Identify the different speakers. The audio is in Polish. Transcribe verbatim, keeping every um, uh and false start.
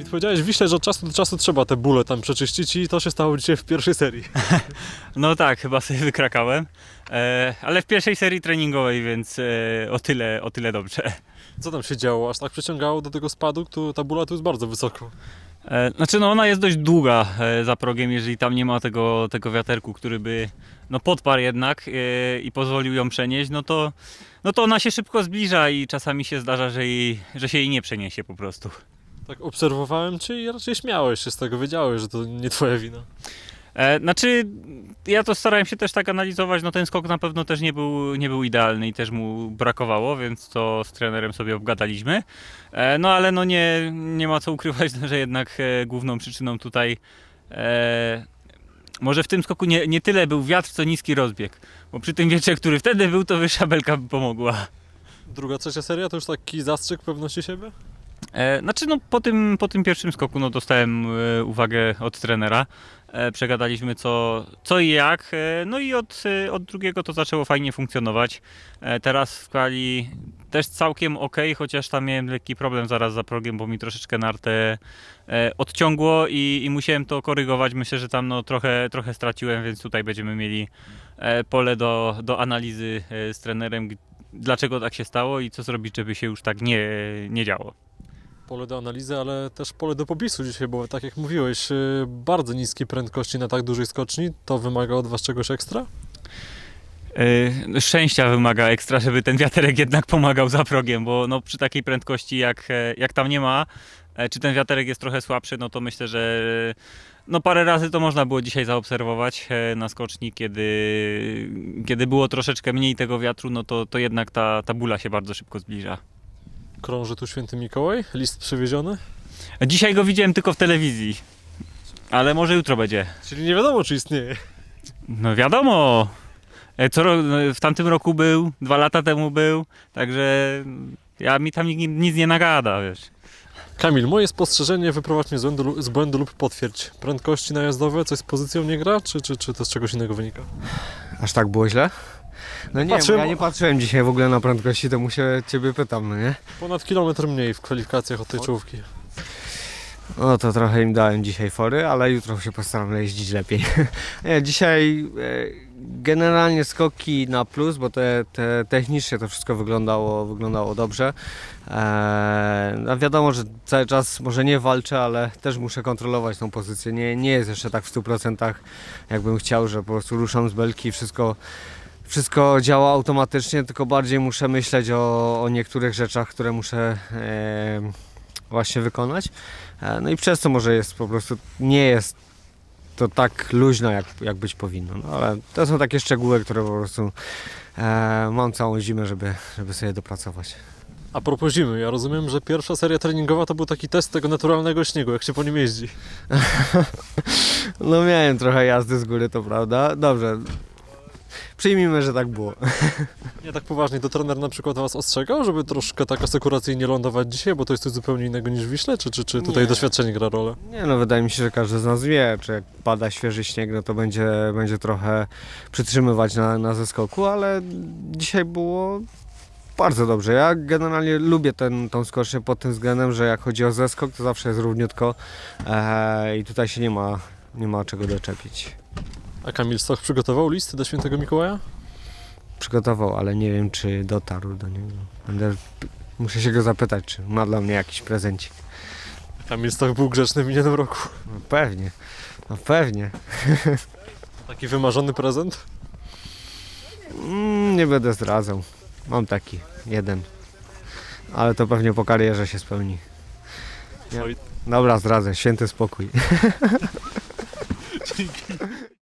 Speaker 1: powiedziałeś Wiśle, że od czasu do czasu trzeba te bóle tam przeczyścić i to się stało dzisiaj w pierwszej serii.
Speaker 2: No tak, chyba sobie wykrakałem, e, ale w pierwszej serii treningowej, więc e, o tyle, o tyle dobrze.
Speaker 1: Co tam się działo? Aż tak przyciągało do tego spadu? Tu, ta bóla tu jest bardzo wysoko.
Speaker 2: E, znaczy no ona jest dość długa e, za progiem, jeżeli tam nie ma tego, tego wiaterku, który by no podparł jednak e, i pozwolił ją przenieść, no to, no to ona się szybko zbliża i czasami się zdarza, że, jej, że się jej nie przeniesie po prostu.
Speaker 1: Tak obserwowałem cię i raczej śmiałeś się z tego, wiedziałeś, że to nie twoja wina.
Speaker 2: E, znaczy, ja to starałem się też tak analizować, no ten skok na pewno też nie był, nie był idealny i też mu brakowało, więc to z trenerem sobie obgadaliśmy. E, no ale no nie, nie ma co ukrywać, że jednak e, główną przyczyną tutaj e, może w tym skoku nie, nie tyle był wiatr, co niski rozbieg, bo przy tym wietrze, który wtedy był, to wyższa belka by pomogła.
Speaker 1: Druga, trzecia seria to już taki zastrzyk pewności siebie?
Speaker 2: E, znaczy no po tym, po tym pierwszym skoku no dostałem e, uwagę od trenera, e, przegadaliśmy co, co i jak, e, no i od, e, od drugiego to zaczęło fajnie funkcjonować. E, teraz w kwali też całkiem ok, chociaż tam miałem lekki problem zaraz za progiem, bo mi troszeczkę nartę e, odciągło i, i musiałem to korygować. Myślę, że tam no trochę, trochę straciłem, więc tutaj będziemy mieli e, pole do, do analizy e, z trenerem, dlaczego tak się stało i co zrobić, żeby się już tak nie, nie działo.
Speaker 1: Pole do analizy, ale też pole do popisu dzisiaj, bo tak jak mówiłeś, yy, bardzo niskie prędkości na tak dużej skoczni, to wymaga od was czegoś ekstra?
Speaker 2: Yy, szczęścia wymaga ekstra, żeby ten wiaterek jednak pomagał za progiem, bo no, przy takiej prędkości jak, jak tam nie ma, e, czy ten wiaterek jest trochę słabszy, no to myślę, że no parę razy to można było dzisiaj zaobserwować e, na skoczni, kiedy, kiedy było troszeczkę mniej tego wiatru, no to, to jednak ta, ta bóla się bardzo szybko zbliża.
Speaker 1: Krąży tu Święty Mikołaj, list przywieziony,
Speaker 2: Dzisiaj go widziałem tylko w telewizji, ale może jutro będzie.
Speaker 1: czyli nie wiadomo, czy istnieje.
Speaker 2: No wiadomo, E, co, ro- no, w tamtym roku był, dwa lata temu był, także ja mi tam nikt nic nie nagada, wiesz.
Speaker 1: Kamil, moje spostrzeżenie, wyprowadź mnie z błędu, z błędu lub potwierdź. Prędkości najazdowe, coś z pozycją nie gra, czy, czy, czy to z czegoś innego wynika?
Speaker 3: Aż tak było źle? No nie,
Speaker 1: Patrzyłem-
Speaker 3: bo ja nie patrzyłem dzisiaj w ogóle na prędkości, to mu się ciebie pytam, no nie?
Speaker 1: Ponad kilometr mniej w kwalifikacjach od tej czołówki.
Speaker 3: No to trochę im dałem dzisiaj fory, ale jutro się postaram jeździć lepiej. Nie, dzisiaj e, generalnie skoki na plus, bo te, te technicznie to wszystko wyglądało, wyglądało dobrze. E, no wiadomo, że cały czas może nie walczę, ale też muszę kontrolować tą pozycję. Nie, nie jest jeszcze tak w stu procentach, jakbym chciał, że po prostu ruszam z belki i wszystko Wszystko działa automatycznie, tylko bardziej muszę myśleć o, o niektórych rzeczach, które muszę e, właśnie wykonać. E, no i przez to może jest po prostu, nie jest to tak luźno, jak, jak być powinno. No, ale to są takie szczegóły, które po prostu e, mam całą zimę, żeby, żeby sobie dopracować.
Speaker 1: A propos zimy, ja rozumiem, że pierwsza seria treningowa to był taki test tego naturalnego śniegu, jak się po nim jeździ.
Speaker 3: No miałem trochę jazdy z góry, to prawda. Dobrze. Przyjmijmy, że tak było.
Speaker 1: Nie tak poważnie, to trener na przykład was ostrzegał, żeby troszkę tak asekuracyjnie lądować dzisiaj, bo to jest coś zupełnie innego niż w Wiśle, czy, czy, czy tutaj
Speaker 3: Nie.
Speaker 1: doświadczenie gra rolę?
Speaker 3: Nie no, wydaje mi się, że każdy z nas wie, czy jak pada świeży śnieg, no to będzie, będzie trochę przytrzymywać na, na zeskoku, ale dzisiaj było bardzo dobrze. Ja generalnie lubię ten, tą skocznię pod tym względem, że jak chodzi o zeskok, to zawsze jest równiutko e, i tutaj się nie ma, nie ma czego doczepić.
Speaker 1: A Kamil Stoch przygotował list do Świętego Mikołaja?
Speaker 3: Przygotował, ale nie wiem, czy dotarł do niego. Będę, muszę się go zapytać, czy ma dla mnie jakiś prezencik.
Speaker 1: Kamil Stoch był grzeczny w minionym roku.
Speaker 3: No pewnie, no pewnie.
Speaker 1: Taki wymarzony prezent?
Speaker 3: Mm, nie będę zdradzał. Mam taki, jeden. Ale to pewnie po karierze się spełni. Nie.
Speaker 1: Oj.
Speaker 3: Dobra, zdradzę. Święty spokój.